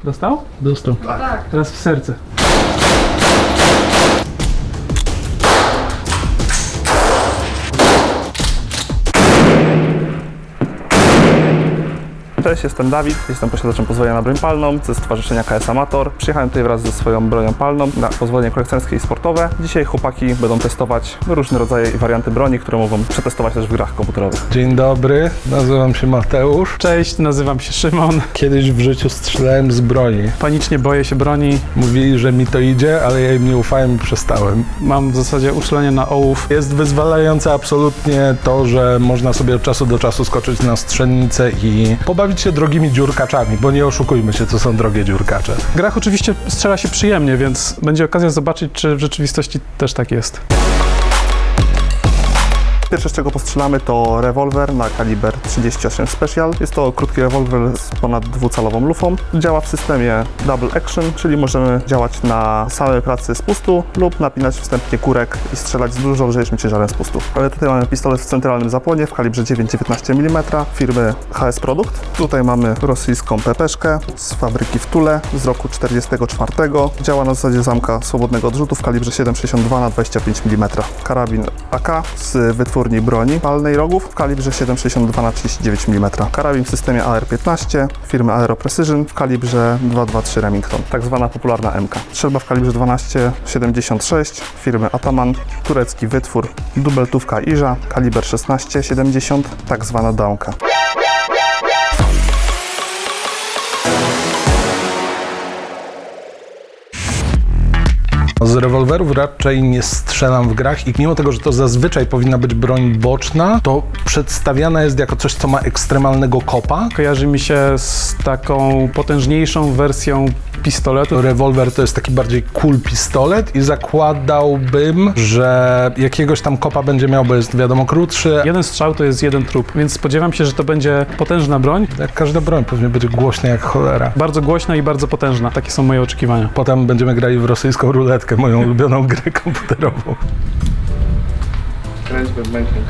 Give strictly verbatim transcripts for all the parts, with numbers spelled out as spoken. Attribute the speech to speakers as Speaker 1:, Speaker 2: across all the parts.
Speaker 1: Dostał? Dostał.
Speaker 2: Tak.
Speaker 1: Teraz w serce.
Speaker 3: Cześć, jestem Dawid, jestem posiadaczem pozwolenia na broń palną ze Stowarzyszenia K S Amator. Przyjechałem tutaj wraz ze swoją bronią palną na pozwolenie kolekcjonerskie i sportowe. Dzisiaj chłopaki będą testować różne rodzaje i warianty broni, które mogą przetestować też w grach komputerowych.
Speaker 4: Dzień dobry, nazywam się Mateusz.
Speaker 1: Cześć, nazywam się Szymon.
Speaker 4: Kiedyś w życiu strzelałem z broni.
Speaker 1: Panicznie boję się broni.
Speaker 4: Mówili, że mi to idzie, ale ja im nie ufałem i przestałem.
Speaker 1: Mam w zasadzie uczulenie na ołów.
Speaker 4: Jest wyzwalające absolutnie to, że można sobie od czasu do czasu skoczyć na strzelnicę i pobawić się drogimi dziurkaczami, bo nie oszukujmy się, co są drogie dziurkacze.
Speaker 1: W grach oczywiście strzela się przyjemnie, więc będzie okazja zobaczyć, czy w rzeczywistości też tak jest.
Speaker 3: Pierwsze, z czego postrzelamy, to rewolwer na kaliber trzydzieści osiem Special. Jest to krótki rewolwer z ponad dwucalową lufą. Działa w systemie double action, czyli możemy działać na samej pracy z pustu lub napinać wstępnie kurek i strzelać z dużo lżejszym ciężarem z pustu. Ale tutaj mamy pistolet w centralnym zapłonie w kalibrze dziewięć przecinek dziewiętnaście milimetrów firmy H S Produkt. Tutaj mamy rosyjską pepeszkę z fabryki w Tule z roku czterdziestego czwartego. Działa na zasadzie zamka swobodnego odrzutu w kalibrze siedem przecinek sześćdziesiąt dwa na dwadzieścia pięć milimetrów. Karabin A K z wytwórni broni palnej rogów w kalibrze siedem przecinek sześćdziesiąt dwa na trzydzieści dziewięć milimetrów. Karabin w systemie A R piętnaście firmy Aero Precision w kalibrze dwa dwa trzy Remington, tak zwana popularna M K. Strzelba w kalibrze dwanaście przecinek siedemdziesiąt sześć firmy Ataman, turecki wytwór, dubeltówka Iża, kaliber szesnaście przecinek siedemdziesiąt, tak zwana dałka.
Speaker 4: Z rewolwerów raczej nie strzelam w grach i mimo tego, że to zazwyczaj powinna być broń boczna, to przedstawiana jest jako coś, co ma ekstremalnego kopa.
Speaker 1: Kojarzy mi się z taką potężniejszą wersją pistoletu.
Speaker 4: Rewolwer to jest taki bardziej cool pistolet i zakładałbym, że jakiegoś tam kopa będzie miał, bo jest wiadomo krótszy.
Speaker 1: Jeden strzał to jest jeden trup, więc spodziewam się, że to będzie potężna broń.
Speaker 4: Jak każda broń pewnie będzie głośna jak cholera.
Speaker 1: Bardzo głośna i bardzo potężna. Takie są moje oczekiwania.
Speaker 4: Potem będziemy grali w rosyjską ruletkę, moją ulubioną grę komputerową.
Speaker 3: Kręć bębenkiem.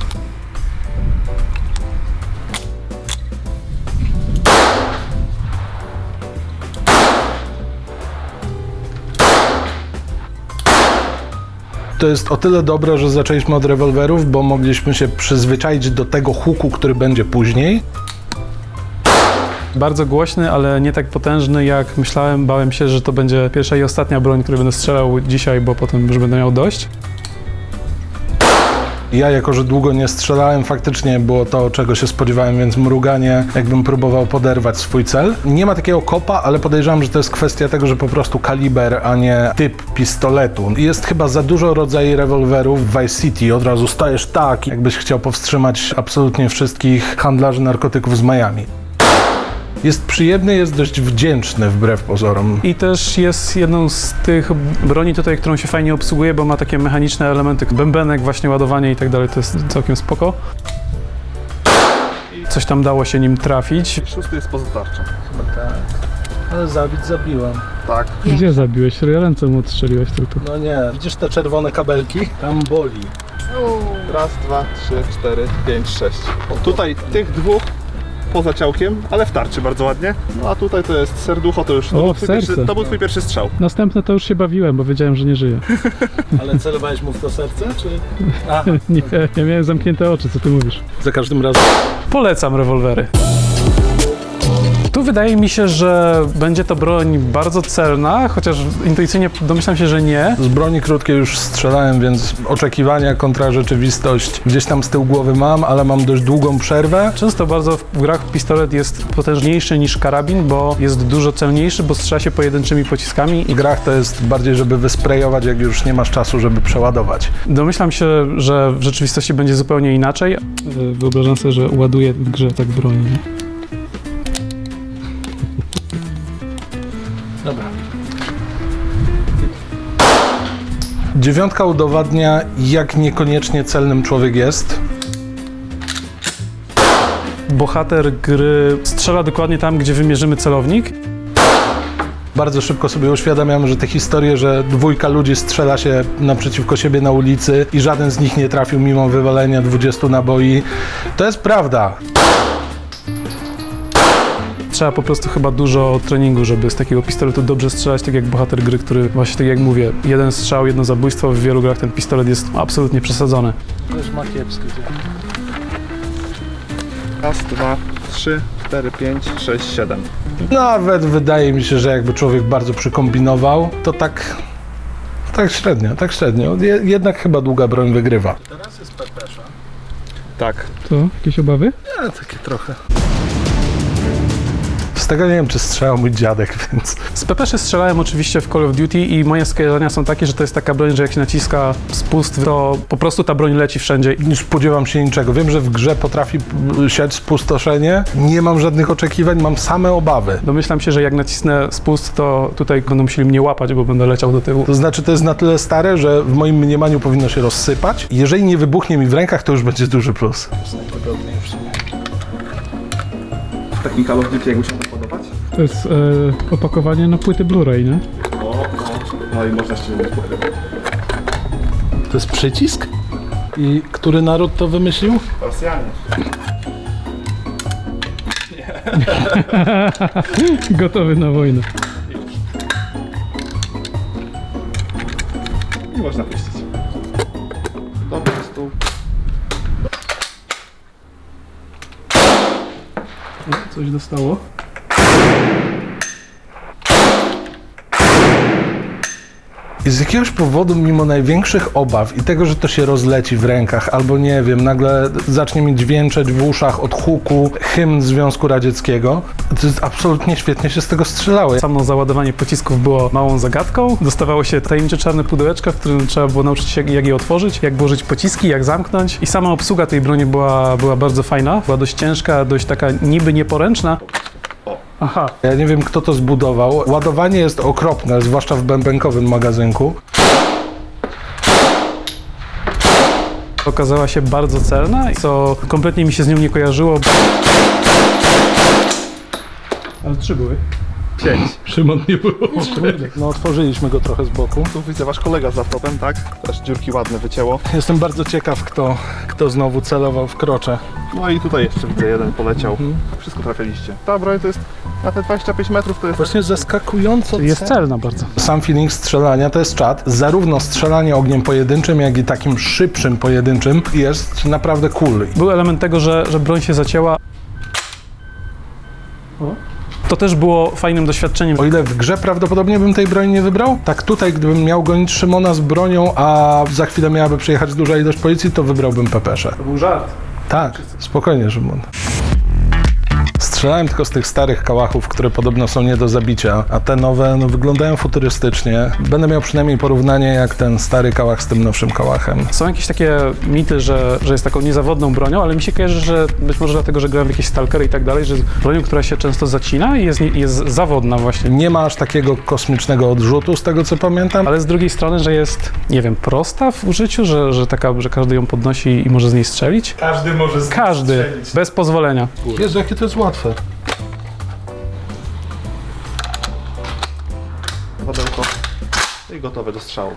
Speaker 4: To jest o tyle dobre, że zaczęliśmy od rewolwerów, bo mogliśmy się przyzwyczaić do tego huku, który będzie później.
Speaker 1: Bardzo głośny, ale nie tak potężny jak myślałem. Bałem się, że to będzie pierwsza i ostatnia broń, której będę strzelał dzisiaj, bo potem już będę miał dość.
Speaker 4: Ja, jako że długo nie strzelałem, faktycznie było to, czego się spodziewałem, więc mruganie, jakbym próbował poderwać swój cel. Nie ma takiego kopa, ale podejrzewam, że to jest kwestia tego, że po prostu kaliber, a nie typ pistoletu. Jest chyba za dużo rodzajów rewolwerów w Vice City. Od razu stajesz tak, jakbyś chciał powstrzymać absolutnie wszystkich handlarzy narkotyków z Miami. Jest przyjemny, jest dość wdzięczny wbrew pozorom.
Speaker 1: I też jest jedną z tych broni tutaj, którą się fajnie obsługuje, bo ma takie mechaniczne elementy, bębenek, właśnie ładowanie i tak dalej, to jest całkiem spoko. Coś tam dało się nim trafić.
Speaker 3: Szósty jest poza tarczą.
Speaker 4: Tak, ale zabić zabiłem.
Speaker 3: Tak.
Speaker 1: Gdzie zabiłeś? Ręce mu odstrzeliłeś tylko.
Speaker 4: No nie, widzisz te czerwone kabelki? Tam boli.
Speaker 3: Raz, dwa, trzy, cztery, pięć, sześć. Tutaj tych dwóch poza ciałkiem, ale w tarczy bardzo ładnie. No a tutaj to jest serducho, to już to,
Speaker 1: O,
Speaker 3: był,
Speaker 1: w
Speaker 3: twój
Speaker 1: serce.
Speaker 3: pierwszy, to był twój pierwszy strzał.
Speaker 1: Następne to już się bawiłem, bo wiedziałem, że nie żyje.
Speaker 4: Ale celowałeś mu w to serce, czy? A,
Speaker 1: Nie, ja miałem zamknięte oczy, co ty mówisz.
Speaker 4: za każdym razem.
Speaker 1: Polecam rewolwery. Tu wydaje mi się, że będzie to broń bardzo celna, chociaż intuicyjnie domyślam się, że nie.
Speaker 4: Z broni krótkiej już strzelałem, więc oczekiwania kontra rzeczywistość gdzieś tam z tyłu głowy mam, ale mam dość długą przerwę.
Speaker 1: Często bardzo w grach pistolet jest potężniejszy niż karabin, bo jest dużo celniejszy, bo strzela się pojedynczymi pociskami.
Speaker 4: W grach to jest bardziej, żeby wysprejować, jak już nie masz czasu, żeby przeładować.
Speaker 1: Domyślam się, że w rzeczywistości będzie zupełnie inaczej. Wyobrażam sobie, że ładuję w grze tak broń.
Speaker 4: Dobra. Dziewiątka udowadnia, jak niekoniecznie celnym człowiek jest.
Speaker 1: Bohater gry strzela dokładnie tam, gdzie wymierzymy celownik.
Speaker 4: Bardzo szybko sobie uświadamiam, że te historie, że dwójka ludzi strzela się naprzeciwko siebie na ulicy i żaden z nich nie trafił mimo wywalenia dwudziestu naboi, to jest prawda.
Speaker 1: trzeba po prostu chyba dużo treningu, żeby z takiego pistoletu dobrze strzelać, tak jak bohater gry, który właśnie tak jak mówię, jeden strzał, jedno zabójstwo, w wielu grach ten pistolet jest absolutnie przesadzony.
Speaker 4: Też ma kiepskie.
Speaker 3: Raz, dwa, trzy, cztery, pięć, sześć, siedem.
Speaker 4: Nawet wydaje mi się, że jakby człowiek bardzo przykombinował, to tak... Tak średnio, tak średnio. Je, jednak chyba długa broń wygrywa. Teraz jest pepesza.
Speaker 3: Tak.
Speaker 1: To? Jakieś obawy?
Speaker 4: Ja, takie trochę. Z tego nie wiem, czy strzelał mój dziadek, więc...
Speaker 1: Z pepeszy strzelałem oczywiście w Call of Duty i moje skojarzenia są takie, że to jest taka broń, że jak się naciska spust, to po prostu ta broń leci wszędzie.
Speaker 4: Nie spodziewam się niczego. Wiem, że w grze potrafi siać spustoszenie. Nie mam żadnych oczekiwań, mam same obawy.
Speaker 1: Domyślam się, że jak nacisnę spust, to tutaj będą musieli mnie łapać, bo będę leciał do tyłu.
Speaker 4: To znaczy, to jest na tyle stare, że w moim mniemaniu powinno się rozsypać. Jeżeli nie wybuchnie mi w rękach, to już będzie duży plus. Najwygodniej w sumie.
Speaker 3: W takim Call of Duty jakby się to podobać?
Speaker 1: To jest e, opakowanie na płyty Blu-ray, nie?
Speaker 3: No, no. No i można ściągnąć płytę.
Speaker 4: To jest przycisk? I który naród to wymyślił?
Speaker 3: Rosjanie.
Speaker 1: Gotowy na wojnę.
Speaker 3: I można puścić. Dobry stół.
Speaker 1: Coś dostało.
Speaker 4: I z jakiegoś powodu, mimo największych obaw i tego, że to się rozleci w rękach, albo nie wiem, nagle zacznie mi dźwięczeć w uszach od huku hymn Związku Radzieckiego, to jest absolutnie świetnie się z tego strzelało.
Speaker 1: Samo załadowanie pocisków było małą zagadką. Dostawało się tajemnicze czarne pudełeczka, w którym trzeba było nauczyć się, jak je otworzyć, jak włożyć pociski, jak zamknąć. I sama obsługa tej broni była, była bardzo fajna. Była dość ciężka, dość taka niby nieporęczna. Aha.
Speaker 4: Ja nie wiem, kto to zbudował. Ładowanie jest okropne, zwłaszcza w bębenkowym magazynku.
Speaker 1: Okazała się bardzo celna, co kompletnie mi się z nią nie kojarzyło. Ale trzy były.
Speaker 3: Pięć.
Speaker 1: Szymon nie było.
Speaker 4: No, otworzyliśmy go trochę z boku.
Speaker 3: Tu widzę wasz kolega z laptopem, tak? Też dziurki ładne wycięło.
Speaker 4: Jestem bardzo ciekaw, kto, kto znowu celował w krocze.
Speaker 3: No i tutaj jeszcze widzę, jeden poleciał.
Speaker 4: Mhm.
Speaker 3: Wszystko trafialiście. Ta broń to jest na te dwadzieścia pięć metrów to jest...
Speaker 4: Właśnie zaskakująco
Speaker 1: Jest
Speaker 4: ce-
Speaker 1: celna bardzo.
Speaker 4: Sam feeling strzelania to jest czat. Zarówno strzelanie ogniem pojedynczym, jak i takim szybszym pojedynczym jest naprawdę cool.
Speaker 1: Był element tego, że, że broń się zacięła. O. To też było fajnym doświadczeniem.
Speaker 4: O ile w grze prawdopodobnie bym tej broni nie wybrał, tak tutaj, gdybym miał gonić Szymona z bronią, a za chwilę miałaby przyjechać duża ilość policji, to wybrałbym pepeszę.
Speaker 1: To był żart.
Speaker 4: Tak, spokojnie, Szymon. Strzelałem tylko z tych starych kałachów, które podobno są nie do zabicia, a te nowe no, wyglądają futurystycznie. Będę miał przynajmniej porównanie jak ten stary kałach z tym nowszym kałachem.
Speaker 1: Są jakieś takie mity, że, że jest taką niezawodną bronią, ale mi się kojarzy, że być może dlatego, że grałem w jakieś stalkery i tak dalej, że jest bronią, która się często zacina i jest, nie- jest zawodna właśnie.
Speaker 4: Nie ma aż takiego kosmicznego odrzutu, z tego co pamiętam.
Speaker 1: Ale z drugiej strony, że jest, nie wiem, prosta w użyciu, że, że taka, że każdy ją podnosi i może z niej strzelić.
Speaker 4: Każdy może z
Speaker 1: Każdy, bez pozwolenia.
Speaker 4: Jezu, jakie to jest łatwe.
Speaker 3: Wadełko. I gotowe do strzału.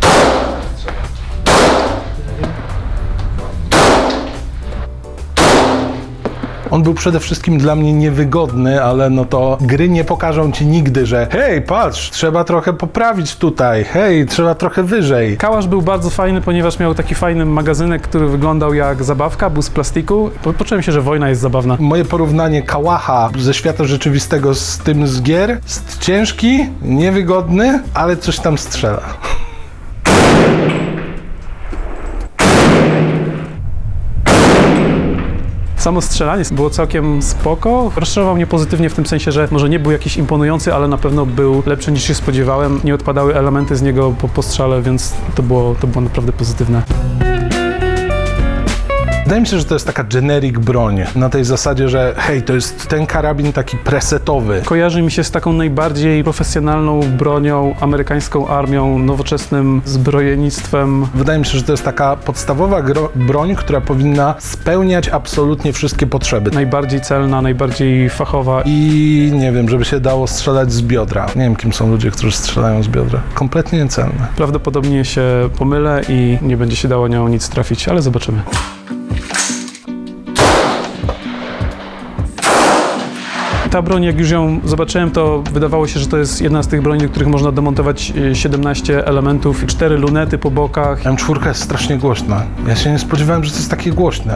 Speaker 4: On był przede wszystkim dla mnie niewygodny, ale no to gry nie pokażą ci nigdy, że hej, patrz, trzeba trochę poprawić tutaj, hej, trzeba trochę wyżej.
Speaker 1: Kałasz był bardzo fajny, ponieważ miał taki fajny magazynek, który wyglądał jak zabawka, był z plastiku. Po, poczułem się, że wojna jest zabawna.
Speaker 4: Moje porównanie kałacha ze świata rzeczywistego z tym z gier jest ciężki, niewygodny, ale coś tam strzela.
Speaker 1: Samo strzelanie było całkiem spoko. Rozczarował mnie pozytywnie w tym sensie, że może nie był jakiś imponujący, ale na pewno był lepszy niż się spodziewałem. Nie odpadały elementy z niego po postrzale, więc to było, to było naprawdę pozytywne.
Speaker 4: Wydaje mi się, że to jest taka generic broń, na tej zasadzie, że hej, to jest ten karabin taki presetowy.
Speaker 1: Kojarzy mi się z taką najbardziej profesjonalną bronią, amerykańską armią, nowoczesnym zbrojnictwem.
Speaker 4: Wydaje mi się, że to jest taka podstawowa gro- broń, która powinna spełniać absolutnie wszystkie potrzeby.
Speaker 1: Najbardziej celna, najbardziej fachowa.
Speaker 4: I nie wiem, żeby się dało strzelać z biodra. Nie wiem, kim są ludzie, którzy strzelają z biodra. Kompletnie niecelne.
Speaker 1: Prawdopodobnie się pomylę i nie będzie się dało nią nic trafić, ale zobaczymy. Ta broń, jak już ją zobaczyłem, to wydawało się, że to jest jedna z tych broni, do których można demontować siedemnaście elementów, cztery lunety po bokach.
Speaker 4: M cztery jest strasznie głośna. Ja się nie spodziewałem, że to jest takie głośne.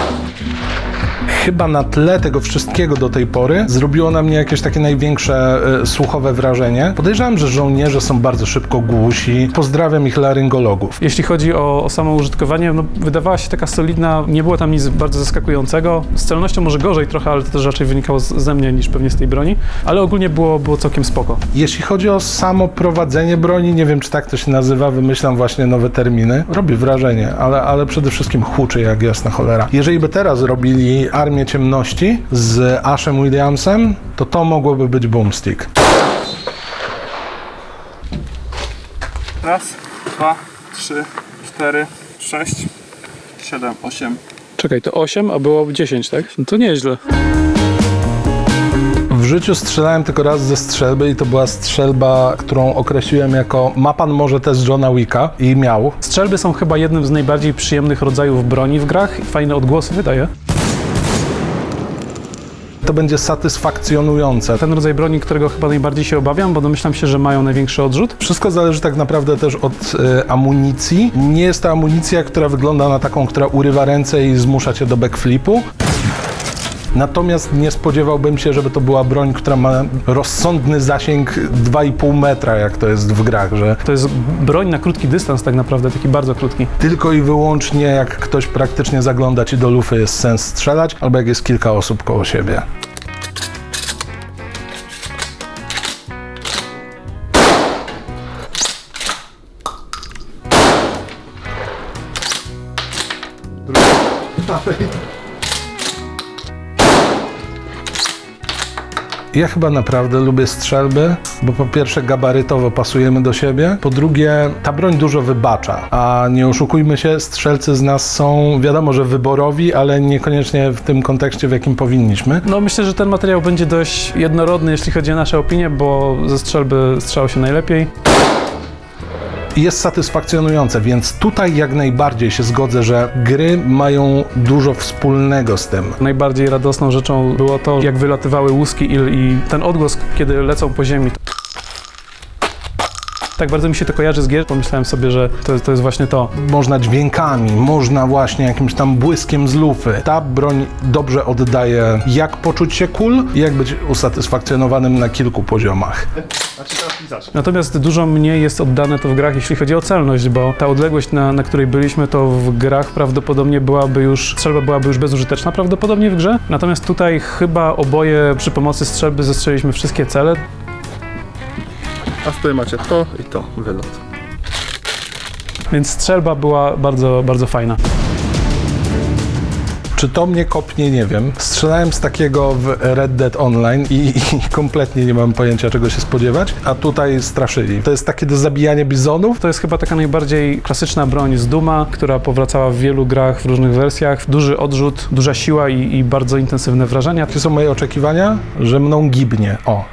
Speaker 4: Chyba na tle tego wszystkiego do tej pory zrobiło na mnie jakieś takie największe e, słuchowe wrażenie. Podejrzewam, że żołnierze są bardzo szybko głusi. Pozdrawiam ich laryngologów.
Speaker 1: Jeśli chodzi o, o samo użytkowanie, no, wydawała się taka solidna, nie było tam nic bardzo zaskakującego. Z celnością może gorzej trochę, ale to też raczej wynikało z, ze mnie niż pewnie z tej broni, ale ogólnie było, było całkiem spoko.
Speaker 4: Jeśli chodzi o samo prowadzenie broni, nie wiem, czy tak to się nazywa, wymyślam właśnie nowe terminy. Robi wrażenie, ale, ale przede wszystkim huczy jak jasna cholera. Jeżeli by teraz robili Armię Ciemności z Ashem Williamsem, to to mogłoby być boomstick.
Speaker 3: Raz, dwa, trzy, cztery, sześć, siedem, osiem.
Speaker 1: Czekaj, to osiem, a było dziesięć, tak? No to nieźle.
Speaker 4: W życiu strzelałem tylko raz ze strzelby i to była strzelba, którą określiłem jako ma pan może test Johna Wicka i miał.
Speaker 1: Strzelby są chyba jednym z najbardziej przyjemnych rodzajów broni w grach i fajne odgłosy wydaje.
Speaker 4: To będzie satysfakcjonujące.
Speaker 1: Ten rodzaj broni, którego chyba najbardziej się obawiam, bo domyślam się, że mają największy odrzut.
Speaker 4: Wszystko zależy tak naprawdę też od y, amunicji. Nie jest to amunicja, która wygląda na taką, która urywa ręce i zmusza cię do backflipu. Natomiast nie spodziewałbym się, żeby to była broń, która ma rozsądny zasięg dwa i pół metra, jak to jest w grach, że
Speaker 1: To jest broń na krótki dystans tak naprawdę, taki bardzo krótki.
Speaker 4: tylko i wyłącznie jak ktoś praktycznie zagląda ci do lufy jest sens strzelać, albo jak jest kilka osób koło siebie. Ja chyba naprawdę lubię strzelby, bo po pierwsze gabarytowo pasujemy do siebie, po drugie ta broń dużo wybacza, a nie oszukujmy się, strzelcy z nas są wiadomo, że wyborowi, ale niekoniecznie w tym kontekście, w jakim powinniśmy.
Speaker 1: No myślę, że ten materiał będzie dość jednorodny, jeśli chodzi o nasze opinie, bo ze strzelby strzało się najlepiej.
Speaker 4: Jest satysfakcjonujące, więc tutaj jak najbardziej się zgodzę, że gry mają dużo wspólnego z tym.
Speaker 1: Najbardziej radosną rzeczą było to, jak wylatywały łuski i, i ten odgłos, kiedy lecą po ziemi. Tak bardzo mi się to kojarzy z gier, pomyślałem sobie, że to, to jest właśnie to.
Speaker 4: Można dźwiękami, można właśnie jakimś tam błyskiem z lufy. Ta broń dobrze oddaje, jak poczuć się cool i jak być usatysfakcjonowanym na kilku poziomach.
Speaker 1: Natomiast dużo mniej jest oddane to w grach, jeśli chodzi o celność, bo ta odległość, na, na której byliśmy, to w grach prawdopodobnie byłaby już, strzelba byłaby już bezużyteczna prawdopodobnie w grze. Natomiast tutaj chyba oboje przy pomocy strzelby zestrzeliliśmy wszystkie cele.
Speaker 3: A tutaj macie to i to, wylot.
Speaker 1: Więc strzelba była bardzo, bardzo fajna.
Speaker 4: Czy to mnie kopnie, nie wiem. Strzelałem z takiego w Red Dead Online i, i kompletnie nie mam pojęcia, czego się spodziewać, a tutaj straszyli. To jest takie do zabijania bizonów.
Speaker 1: To jest chyba taka najbardziej klasyczna broń z Duma, która powracała w wielu grach w różnych wersjach. Duży odrzut, duża siła i, i bardzo intensywne wrażenia.
Speaker 4: Jakie są moje oczekiwania? Że mną gibnie. O.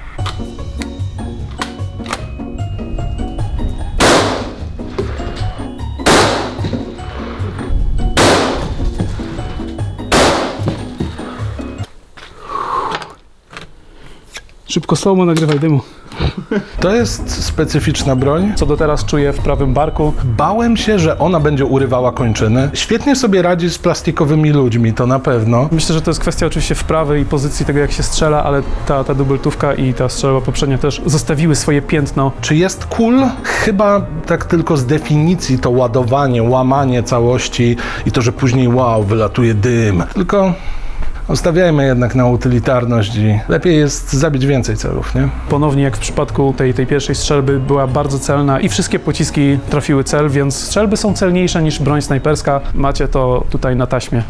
Speaker 1: Szybko slow-mo nagrywaj dymu.
Speaker 4: To jest specyficzna broń.
Speaker 1: Co do teraz czuję w prawym barku.
Speaker 4: Bałem się, że ona będzie urywała kończyny. Świetnie sobie radzi z plastikowymi ludźmi, to na pewno.
Speaker 1: Myślę, że to jest kwestia oczywiście wprawy i pozycji tego, jak się strzela, ale ta, ta dubeltówka i ta strzelba poprzednia też zostawiły swoje piętno.
Speaker 4: Czy jest cool? Chyba tak tylko z definicji to ładowanie, łamanie całości i to, że później wow, wylatuje dym. Tylko Stawiajmy jednak na utylitarność i lepiej jest zabić więcej celów, nie?
Speaker 1: Ponownie jak w przypadku tej, tej pierwszej strzelby była bardzo celna i wszystkie pociski trafiły cel, więc strzelby są celniejsze niż broń snajperska. Macie to tutaj na taśmie.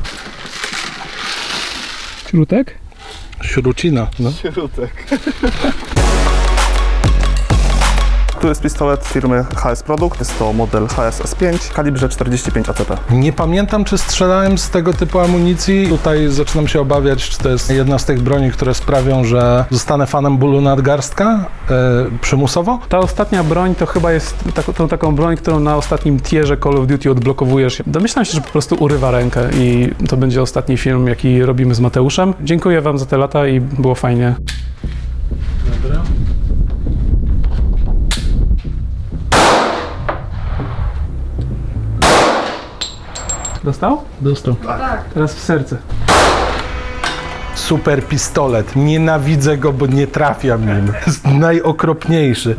Speaker 1: Śrutek?
Speaker 4: Śrucina, no.
Speaker 3: Śrutek. Tu jest pistolet firmy H S Produkt, jest to model H S S pięć w kalibrze czterdzieści pięć A C P.
Speaker 4: Nie pamiętam, czy strzelałem z tego typu amunicji. Tutaj zaczynam się obawiać, czy to jest jedna z tych broni, które sprawią, że zostanę fanem bólu nadgarstka e, przymusowo.
Speaker 1: Ta ostatnia broń to chyba jest tak, tą taką broń, którą na ostatnim tierze Call of Duty odblokowujesz. Domyślam się, że po prostu urywa rękę i to będzie ostatni film, jaki robimy z Mateuszem. Dziękuję wam za te lata i było fajnie.
Speaker 4: Dobra.
Speaker 1: Dostał?
Speaker 4: Dostał.
Speaker 1: Teraz w serce.
Speaker 4: Super pistolet. Nienawidzę go, bo nie trafiam nim. Jest najokropniejszy.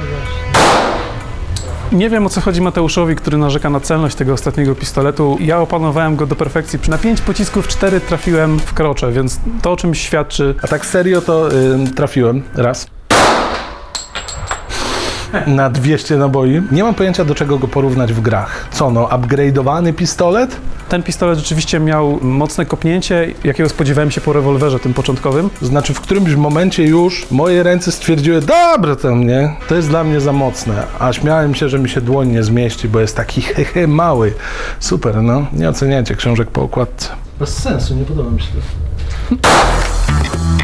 Speaker 1: Nie wiem, o co chodzi Mateuszowi, który narzeka na celność tego ostatniego pistoletu. Ja opanowałem go do perfekcji. Na pięć pocisków cztery trafiłem w krocze, więc to o czymś świadczy.
Speaker 4: A tak serio to y, trafiłem raz. Na dwieście naboi. Nie mam pojęcia, do czego go porównać w grach. Co no, upgrade'owany pistolet?
Speaker 1: Ten pistolet rzeczywiście miał mocne kopnięcie, jakiego spodziewałem się po rewolwerze tym początkowym.
Speaker 4: Znaczy w którymś momencie już moje ręce stwierdziły, dobra to mnie, to jest dla mnie za mocne. A śmiałem się, że mi się dłoń nie zmieści, bo jest taki hehe mały. Super, no. Nie oceniajcie książek po okładce. Bez sensu, nie podoba mi się to.